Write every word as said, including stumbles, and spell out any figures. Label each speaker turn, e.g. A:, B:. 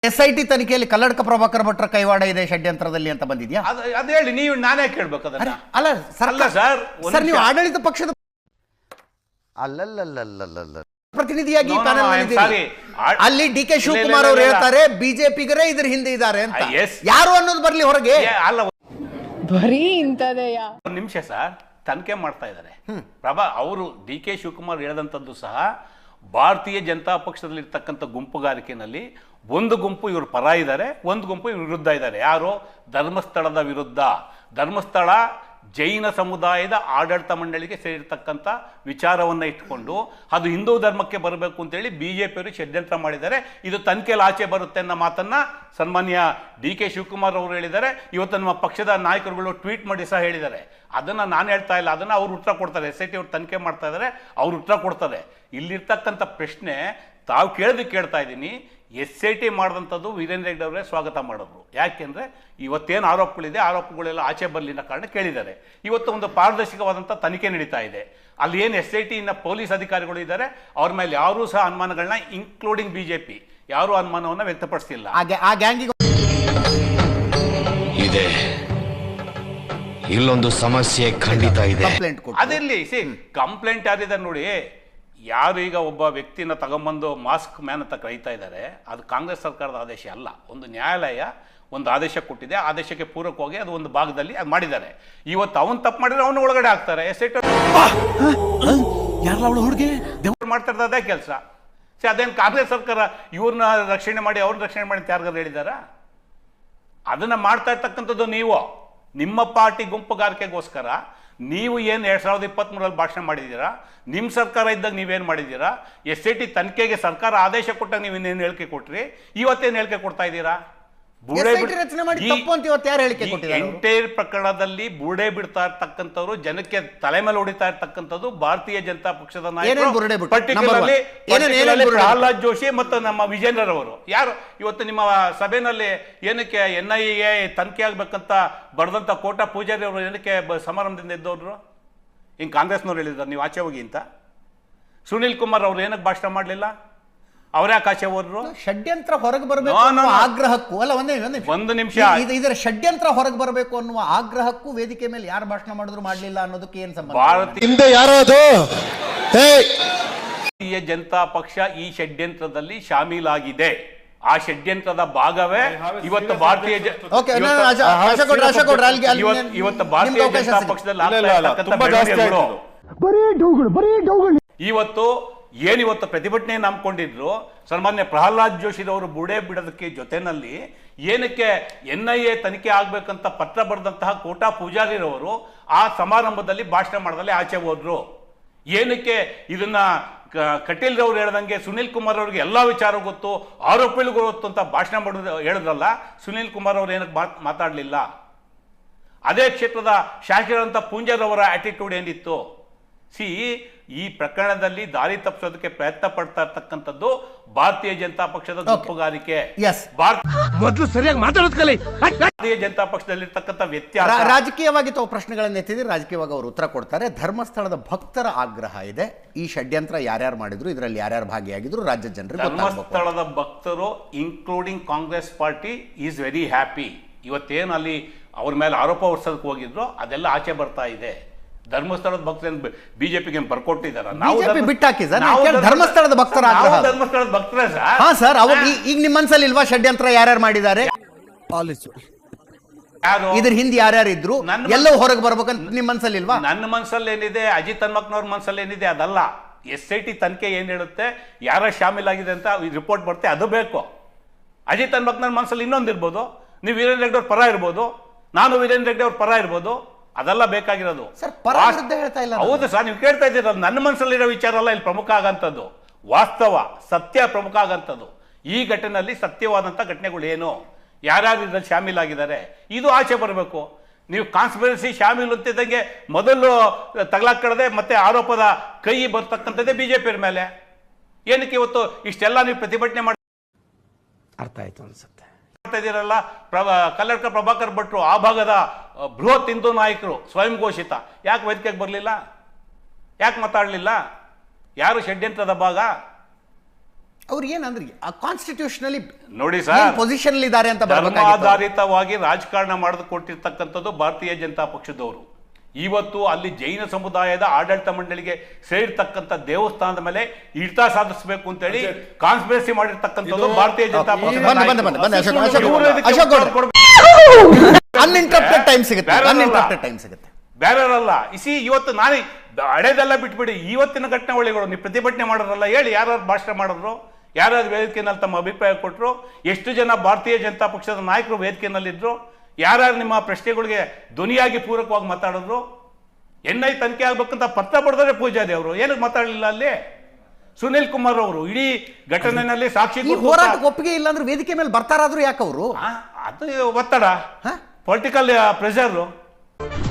A: S I T ತನಿಖೆಯಲ್ಲಿ ಕಲ್ಲಡ್ಕ ಪ್ರಭಾಕರ್ ಭಟ್ರ ಕೈವಾಡ ಇದೆ ಷಡ್ಯಂತ್ರದಲ್ಲಿ ಅಂತ ಬಂದಿದ್ಯಾ?
B: ಅದು ಹೇಳಿ, ನೀವು ನಾನೇ ಕೇಳ್ಬೇಕು ಅದನ್ನ.
A: ಅಲ್ಲ
B: ಸರ್, ಸರ್
A: ಸರ್ ನೀವು ಆಡಳಿತ ಪಕ್ಷದ
C: ಅಲ್ಲಲ್ಲಲ್ಲಲ್ಲಲ್ಲ
A: ಪ್ರತಿನಿಧಿಯಾಗಿ ಅಲ್ಲಿ ಡಿ ಕೆ ಶಿವಕುಮಾರ್ ಅವರು ಹೇಳ್ತಾರೆ ಬಿಜೆಪಿಗರೇ ಇದ್ರ ಹಿಂದೆ ಇದ್ದಾರೆ ಅಂತ. ಯಾರು ಅನ್ನೋದು ಬರ್ಲಿ ಹೊರಗೆ.
B: ಅಲ್ಲ,
D: ಬರೀ ಇಂಥದೆಯ
B: ಒಂದು ನಿಮಿಷ ಸರ್, ತನಿಖೆ ಮಾಡ್ತಾ ಇದ್ದಾರೆ ಪ್ರಭಾ ಅವರು. ಡಿ ಕೆ ಶಿವಕುಮಾರ್ ಹೇಳಿದಂಥದ್ದು ಸಹ ಭಾರತೀಯ ಜನತಾ ಪಕ್ಷದಲ್ಲಿ ಇರ್ತಕ್ಕಂಥ ಗುಂಪುಗಾರಿಕೆಯಲ್ಲಿ ಒಂದು ಗುಂಪು ಇವರು ಪರ ಇದ್ದಾರೆ, ಒಂದು ಗುಂಪು ಇವ್ರ ವಿರುದ್ಧ ಇದ್ದಾರೆ. ಯಾರು? ಧರ್ಮಸ್ಥಳದ ವಿರುದ್ಧ. ಧರ್ಮಸ್ಥಳ ಜೈನ ಸಮುದಾಯದ ಆಡಳಿತ ಮಂಡಳಿಗೆ ಸೇರಿರ್ತಕ್ಕಂಥ ವಿಚಾರವನ್ನು ಇಟ್ಕೊಂಡು ಅದು ಹಿಂದೂ ಧರ್ಮಕ್ಕೆ ಬರಬೇಕು ಅಂತೇಳಿ ಬಿ ಜೆ ಪಿಯವರು ಷಡ್ಯಂತ್ರ ಮಾಡಿದ್ದಾರೆ. ಇದು ತನಿಖೆಯಲ್ಲಿ ಆಚೆ ಬರುತ್ತೆ ಅನ್ನೋ ಮಾತನ್ನು ಸನ್ಮಾನ್ಯ ಡಿ ಕೆ ಶಿವಕುಮಾರ್ ಅವರು ಹೇಳಿದ್ದಾರೆ. ಇವತ್ತು ನಮ್ಮ ಪಕ್ಷದ ನಾಯಕರುಗಳು ಟ್ವೀಟ್ ಮಾಡಿ ಸಹ ಹೇಳಿದ್ದಾರೆ. ಅದನ್ನು ನಾನು ಹೇಳ್ತಾ ಇಲ್ಲ, ಅದನ್ನು ಅವ್ರು ಉತ್ತರ ಕೊಡ್ತಾರೆ. ಎಸ್ ಐ ಟಿ ಅವ್ರು ತನಿಖೆ ಮಾಡ್ತಾ ಇದ್ದಾರೆ, ಅವ್ರು ಉತ್ತರ ಕೊಡ್ತಾರೆ. ಇಲ್ಲಿರ್ತಕ್ಕಂಥ ಪ್ರಶ್ನೆ ತಾವು ಕೇಳೋದಕ್ಕೆ ಕೇಳ್ತಾ ಇದ್ದೀನಿ. ಎಸ್ ಐ ಟಿ ಮಾಡಿದಂಥದ್ದು ವೀರೇಂದ್ರ ಹೆಗ್ಗಡೆ ಅವರೇ ಸ್ವಾಗತ ಮಾಡಿದ್ರು. ಯಾಕೆಂದರೆ ಇವತ್ತೇನು ಆರೋಪಗಳಿದೆ, ಆರೋಪಗಳೆಲ್ಲ ಆಚೆ ಬರಲಿ ಅನ್ನೋ ಕಾರಣ ಕೇಳಿದ್ದಾರೆ. ಇವತ್ತು ಒಂದು ಪಾರದರ್ಶಕವಾದಂಥ ತನಿಖೆ ನಡೀತಾ ಇದೆ. ಅಲ್ಲಿ ಏನು ಎಸ್ ಐ ಟಿನ ಪೊಲೀಸ್ ಅಧಿಕಾರಿಗಳು ಇದ್ದಾರೆ, ಅವ್ರ ಮೇಲೆ ಯಾರೂ ಸಹ ಅನುಮಾನಗಳನ್ನ, ಇನ್ಕ್ಲೂಡಿಂಗ್ ಬಿ ಜೆ ಪಿ, ಯಾರೂ ಅನುಮಾನವನ್ನು ವ್ಯಕ್ತಪಡಿಸ್ತಿಲ್ಲ.
A: ಆ ಗ್ಯಾಂಗಿಗೆ
C: ಇದೆ, ಇಲ್ಲೊಂದು ಸಮಸ್ಯೆ ಖಂಡಿತ ಇದೆ.
B: ಅದಿರಲಿ, ಸಿ ಕಂಪ್ಲೇಂಟ್ ಯಾರಿದ್ದಾರೆ ನೋಡಿ. ಯಾರು ಈಗ ಒಬ್ಬ ವ್ಯಕ್ತಿನ ತಗೊಂಬಂದು ಮಾಸ್ಕ್ ಮ್ಯಾನ್ ಅಂತ ಕರೀತಾ ಇದ್ದಾರೆ, ಅದು ಕಾಂಗ್ರೆಸ್ ಸರ್ಕಾರದ ಆದೇಶ ಅಲ್ಲ. ಒಂದು ನ್ಯಾಯಾಲಯ ಒಂದು ಆದೇಶ ಕೊಟ್ಟಿದೆ, ಆದೇಶಕ್ಕೆ ಪೂರಕವಾಗಿ ಅದು ಒಂದು ಭಾಗದಲ್ಲಿ ಅದು ಮಾಡಿದ್ದಾರೆ. ಇವತ್ತು ಅವನು ತಪ್ಪು ಮಾಡಿದ್ರೆ ಅವನು ಒಳಗಡೆ ಹಾಕ್ತಾರೆ. ಎಸ್ ಐ ಟಿ ಮಾಡ್ತಾ ಇರೋದು ಅದೇ ಕೆಲಸ. ಸಿ ಅದೇನು ಕಾಂಗ್ರೆಸ್ ಸರ್ಕಾರ ಇವ್ರನ್ನ ರಕ್ಷಣೆ ಮಾಡಿ ಅವ್ರನ್ನ ರಕ್ಷಣೆ ಮಾಡಿ ಅಂತ ಯಾರಿಗಾರು ಹೇಳಿದಾರ? ಅದನ್ನು ಮಾಡ್ತಾ ಇರ್ತಕ್ಕಂಥದ್ದು ನೀವು, ನಿಮ್ಮ ಪಾರ್ಟಿ ಗುಂಪುಗಾರಿಕೆಗೋಸ್ಕರ. ನೀವು ಏನು ಎರಡು ಸಾವಿರದ ಇಪ್ಪತ್ತ್ಮೂರಲ್ಲಿ ಭಾಷಣ ಮಾಡಿದ್ದೀರಾ? ನಿಮ್ಮ ಸರ್ಕಾರ ಇದ್ದಾಗ ನೀವೇನು ಮಾಡಿದ್ದೀರಾ? ಎಸ್ ಐ ಟಿ ತನಿಖೆಗೆ ಸರ್ಕಾರ ಆದೇಶ ಕೊಟ್ಟಾಗ ನೀವು ಇನ್ನೇನು ಹೇಳಿಕೆ ಕೊಟ್ರಿ? ಇವತ್ತೇನು ಹೇಳಿಕೆ ಕೊಡ್ತಾ ಇದ್ದೀರಾ? ಎಂಟೈರ್ ಪ್ರಕರಣದಲ್ಲಿ ಬುರುಡೆ ಬಿಡ್ತಾ ಇರ್ತಕ್ಕಂಥವ್ರು, ಜನಕ್ಕೆ ತಲೆ ಮೇಲೆ ಹೊಡಿತಾ ಇರ್ತಕ್ಕಂಥದ್ದು ಭಾರತೀಯ ಜನತಾ ಪಕ್ಷದ ನಾಯಕರು, ಪರ್ಟಿಕ್ಯುಲರ್ಲಿ ಪ್ರಹ್ಲಾದ್ ಜೋಶಿ ಮತ್ತು ನಮ್ಮ ವಿಜೇಂದ್ರರವರು. ಯಾರು ಇವತ್ತು ನಿಮ್ಮ ಸಭೆಯಲ್ಲಿ ಏನಕ್ಕೆ ಎನ್ ಐ ಎ ತನಿಖೆ ಆಗ್ಬೇಕಂತ ಬರೆದಂತ ಕೋಟಾ ಪೂಜಾರಿ ಅವರು ಏನಕ್ಕೆ ಸಮಾರಂಭದಿಂದ ಇದ್ದವ್ರು? ಹಿಂಗೆ ಕಾಂಗ್ರೆಸ್ನವ್ರು ಹೇಳಿದ್ದಾರೆ ನೀವು ಆಚೆ ಹೋಗಿ ಅಂತ. ಸುನೀಲ್ ಕುಮಾರ್ ಅವ್ರು ಏನಕ್ಕೆ ಭಾಷಣ ಮಾಡಲಿಲ್ಲ? ಅವರೇ ಆಕಾಶೆ ಹೋದ್ರು.
A: ಷಡ್ಯಂತ್ರ ಹೊರಗೆ ಬರಬೇಕು ಆಗ್ರಹಕ್ಕೂ ಅಲ್ಲ, ಒಂದೇ
B: ಒಂದು ನಿಮಿಷ,
A: ಇದರ ಷಡ್ಯಂತ್ರ ಹೊರಗೆ ಬರಬೇಕು ಅನ್ನುವ ಆಗ್ರಹಕ್ಕೂ ವೇದಿಕೆ ಮೇಲೆ ಯಾರು ಭಾಷಣ ಮಾಡಿದ್ರು ಮಾಡಲಿಲ್ಲ ಅನ್ನೋದಕ್ಕೆ ಏನ್ ಸಂಬಂಧ?
B: ಭಾರತೀಯ ಜನತಾ ಪಕ್ಷ ಈ ಷಡ್ಯಂತ್ರದಲ್ಲಿ ಶಾಮೀಲಾಗಿದೆ. ಆ ಷಡ್ಯಂತ್ರದ ಭಾಗವೇ ಇವತ್ತು ಭಾರತೀಯ ಇವತ್ತು ಭಾರತೀಯ ಜನತಾ ಪಕ್ಷದಲ್ಲಿ ಇವತ್ತು ಏನಿವತ್ತು ಪ್ರತಿಭಟನೆ ನಂಬ್ಕೊಂಡಿದ್ರು ಸನ್ಮಾನ್ಯ ಪ್ರಹ್ಲಾದ್ ಜೋಶಿರವರು ಬುಡೆ ಬಿಡೋದಕ್ಕೆ ಜೊತೆನಲ್ಲಿ ಏನಕ್ಕೆ ಎನ್ ಐ ಎ ತನಿಖೆ ಆಗ್ಬೇಕಂತ ಪತ್ರ ಬರೆದಂತಹ ಕೋಟಾ ಪೂಜಾರಿರವರು ಆ ಸಮಾರಂಭದಲ್ಲಿ ಭಾಷಣ ಮಾಡದಲ್ಲಿ ಆಚೆ ಹೋದ್ರು. ಏನಕ್ಕೆ ಇದನ್ನ ಕಟೀಲ್ ರವರು ಹೇಳ್ದಂಗೆ ಸುನೀಲ್ ಕುಮಾರ್ ಅವ್ರಿಗೆ ಎಲ್ಲ ವಿಚಾರ ಗೊತ್ತು, ಆರೋಪಿಗಳಿಗೂ ಗೊತ್ತು ಅಂತ ಭಾಷಣ ಮಾಡೋದು ಹೇಳಿದ್ರಲ್ಲ, ಸುನೀಲ್ ಕುಮಾರ್ ಅವರು ಏನಕ್ಕೆ ಮಾತಾಡಲಿಲ್ಲ? ಅದೇ ಕ್ಷೇತ್ರದ ಶಾಸಕರಂತ ಪೂಂಜಾರವರ ಆಟಿಟ್ಯೂಡ್ ಏನಿತ್ತು? ಸಿ ಈ ಪ್ರಕರಣದಲ್ಲಿ ದಾರಿ ತಪ್ಪಿಸೋದಕ್ಕೆ ಪ್ರಯತ್ನ ಪಡ್ತಾ ಇರ್ತಕ್ಕಂಥದ್ದು ಭಾರತೀಯ ಜನತಾ ಪಕ್ಷದ ಗುಂಪುಗಾರಿಕೆ.
E: ಮೊದಲು ಸರಿಯಾಗಿ ಮಾತಾಡೋದು ಕಲಿ.
B: ಭಾರತೀಯ ಜನತಾ ಪಕ್ಷದಲ್ಲಿ ಇರ್ತಕ್ಕಂಥ ವ್ಯತ್ಯಾಸ.
A: ರಾಜಕೀಯವಾಗಿ ತಾವು ಪ್ರಶ್ನೆಗಳನ್ನು ಎತ್ತಿದ್ರೆ ರಾಜಕೀಯವಾಗಿ ಅವರು ಉತ್ತರ ಕೊಡ್ತಾರೆ. ಧರ್ಮಸ್ಥಳದ ಭಕ್ತರ ಆಗ್ರಹ ಇದೆ. ಈ ಷಡ್ಯಂತ್ರ ಯಾರ್ಯಾರು ಮಾಡಿದ್ರು, ಇದರಲ್ಲಿ ಯಾರ್ಯಾರು ಭಾಗಿಯಾಗಿದ್ರು ರಾಜ್ಯ ಜನರಿಗೆ
B: ಧರ್ಮಸ್ಥಳದ ಭಕ್ತರು including Congress party is very happy. ಇವತ್ತೇನು ಅಲ್ಲಿ ಅವ್ರ ಮೇಲೆ ಆರೋಪ ಹೊರಿಸೋದಕ್ಕೆ ಹೋಗಿದ್ರು ಅದೆಲ್ಲ ಆಚೆ ಬರ್ತಾ ಇದೆ. ಧರ್ಮಸ್ಥಳದ ಭಕ್ತರು ಬಿಜೆಪಿಗೆ ಬರ್ಕೊಟ್ಟಿದ್ದಾರೆ. ನಾವು
A: ಬಿಟ್ಟಾಕಿ ಸರ್, ಧರ್ಮಸ್ಥಳದ ಭಕ್ತರ
B: ಧರ್ಮಸ್ಥಳದ ಭಕ್ತರೇ ಸರ್.
A: ಹಾ ಸರ್, ಅವ್ರು ಈಗ ನಿಮ್ಮ ಮನಸ್ಸಲ್ಲಿ ಇಲ್ವಾ ಷಡ್ಯಂತ್ರ ಯಾರ್ಯಾರು ಮಾಡಿದ್ದಾರೆ, ಇದ್ರ ಹಿಂದೆ ಯಾರ್ಯಾರು ಇದ್ರು, ಎಲ್ಲವೂ ಹೊರಗೆ ಬರ್ಬೇಕಂತ ನಿಮ್ಮ ಮನಸ್ಸಲ್ಲಿ ಇಲ್ವಾ?
B: ನನ್ನ ಮನಸ್ಸಲ್ಲಿ ಏನಿದೆ, ಅಜಿತ್ ಹನ್ಮಕ್ನವ್ರ ಮನಸ್ಸಲ್ಲಿ ಏನಿದೆ ಅದಲ್ಲ. ಎಸ್ ಐ ಟಿ ತನಿಖೆ ಏನ್ ಹೇಳುತ್ತೆ, ಯಾರ ಶಾಮೀಲಾಗಿದೆ ಅಂತ ರಿಪೋರ್ಟ್ ಬರುತ್ತೆ, ಅದು ಬೇಕು. ಅಜಿತ್ ಹನ್ಮಕ್ನವ್ರ ಮನಸ್ಸಲ್ಲಿ ಇನ್ನೊಂದು ಇರ್ಬೋದು, ನೀವು ವೀರೇಂದ್ರ ಹೆಗ್ಗಡೆ ಅವ್ರ ಪರ ಇರ್ಬೋದು, ನಾನು ವೀರೇಂದ್ರ ಹೆಗ್ಗಡೆ ಅವ್ರ ಪರ ಇರ್ಬೋದು, ಅದೆಲ್ಲ ಬೇಕಾಗಿರೋದು. ಹೌದು ಸರ್, ನೀವು ಕೇಳ್ತಾ ಇದ್ದೀರ. ನನ್ನ ಮನಸ್ಸಲ್ಲಿರೋ ವಿಚಾರ ಅಲ್ಲ ಇಲ್ಲಿ ಪ್ರಮುಖ ಆಗಂತದ್ದು, ವಾಸ್ತವ ಸತ್ಯ ಪ್ರಮುಖ ಆಗಂತದ್ದು. ಈ ಘಟನೆಯಲ್ಲಿ ಸತ್ಯವಾದಂಥ ಘಟನೆಗಳು ಏನು, ಯಾರ್ಯಾರು ಇದ್ರಲ್ಲಿ ಶಾಮೀಲಾಗಿದ್ದಾರೆ, ಇದು ಆಚೆ ಬರಬೇಕು. ನೀವು ಕಾನ್ಸ್ಪಿರಸಿ ಶಾಮೀಲು ಅಂತಿದ್ದಂಗೆ ಮೊದಲು ತಗಲಾಕಡದೆ ಮತ್ತೆ ಆರೋಪದ ಕೈ ಬರ್ತಕ್ಕಂಥದ್ದೇ ಬಿಜೆಪಿ ಮೇಲೆ. ಏನಕ್ಕೆ ಇವತ್ತು ಇಷ್ಟೆಲ್ಲ ನೀವು ಪ್ರತಿಭಟನೆ ಮಾಡಿ
E: ಅರ್ಥ ಆಯ್ತು ಅನ್ಸುತ್ತೆ
B: ಇದೀರಲ್ಲ? ಪ್ರಭಾ ಕಲ್ಲಡ್ಕ ಪ್ರಭಾಕರ್ ಭಟ್ರು ಆ ಭಾಗದ ಬೃಹತ್ ಹಿಂದೂ ನಾಯಕರು, ಸ್ವಯಂ ಘೋಷಿತ, ಯಾಕೆ ವೇದಿಕೆಗೆ ಬರಲಿಲ್ಲ? ಯಾಕೆ ಮಾತಾಡಲಿಲ್ಲ? ಯಾರು ಷಡ್ಯಂತ್ರದ ಭಾಗ?
A: ಅವ್ರು ಏನಂದ್ರೆ ಕಾನ್ಸ್ಟಿಟ್ಯೂಷನಲಿ
B: ನೋಡಿ ಸರ್,
A: ಪೊಸಿಷನ್ ಇದ್ದಾರೆ ಅಂತ ಬರ್ಬೇಕಾಗಿತ್ತು.
B: ಧರ್ಮಾಧಾರಿತವಾಗಿ ರಾಜಕಾರಣ ಮಾಡಿದು ಕೊಟ್ಟಿರ್ತಕ್ಕಂಥದ್ದು ಭಾರತೀಯ ಜನತಾ ಪಕ್ಷದವರು. ಇವತ್ತು ಅಲ್ಲಿ ಜೈನ ಸಮುದಾಯದ ಆಡಳಿತ ಮಂಡಳಿಗೆ ಸೇರಿರ್ತಕ್ಕಂಥ ದೇವಸ್ಥಾನದ ಮೇಲೆ ಹಿಡಿತ ಸಾಧಿಸಬೇಕು ಅಂತೇಳಿ ಕಾನ್ಸ್ಪಿರಸಿ ಮಾಡಿರ್ತಕ್ಕಂಥದ್ದು ಭಾರತೀಯ ಜನತಾ
A: ಅನ್ಇಂಟರಪ್ಟೆಡ್ ಟೈಮ್ ಸಿಗುತ್ತೆ ಅನ್ಇಂಟರಪ್ಟೆಡ್ ಟೈಮ್ ಸಿಗುತ್ತೆ
B: ಬೇರೆಯವರಲ್ಲ. ಇಸಿ ಇವತ್ತು ನಾನೇ ಹಳೇದೆಲ್ಲ ಬಿಟ್ಬಿಡಿ, ಇವತ್ತಿನ ಘಟನಾವಳಿಗಳು ನೀವು ಪ್ರತಿಭಟನೆ ಮಾಡೋರಲ್ಲ ಹೇಳಿ, ಯಾರು ಭಾಷಣ ಮಾಡಿದ್ರು, ಯಾರ್ಯಾರು ವೇದಿಕೆಯಲ್ಲಿ ತಮ್ಮ ಅಭಿಪ್ರಾಯ ಕೊಟ್ಟರು, ಎಷ್ಟು ಜನ ಭಾರತೀಯ ಜನತಾ ಪಕ್ಷದ ನಾಯಕರು ವೇದಿಕೆಯಲ್ಲಿದ್ದರು, ಯಾರ್ಯಾರು ನಿಮ್ಮ ಪ್ರಶ್ನೆಗಳಿಗೆ ಧ್ವನಿಯಾಗಿ ಪೂರಕವಾಗಿ ಮಾತಾಡಿದ್ರು. ಎನ್ ಐ ತನಿಖೆ ಆಗ್ಬೇಕಂತ ಪತ್ರ ಬರೆದ್ರೆ ಪೂಜಾರಿ ಅವರು ಏನಕ್ಕೆ ಮಾತಾಡಲಿಲ್ಲ ಅಲ್ಲಿ? ಸುನಿಲ್ ಕುಮಾರ್ ಅವರು ಇಡೀ ಘಟನೆಯಲ್ಲಿ ಸಾಕ್ಷಿ
A: ಹೋರಾಟಕ್ಕೆ ಒಪ್ಪಿಗೆ ಇಲ್ಲ ಅಂದ್ರೆ ವೇದಿಕೆ ಮೇಲೆ ಬರ್ತಾರಾದ್ರೂ ಯಾಕೆ ಅವರು?
B: ಅದು ಒತ್ತಡ, ಪೊಲಿಟಿಕಲ್ ಪ್ರೆಷರ್.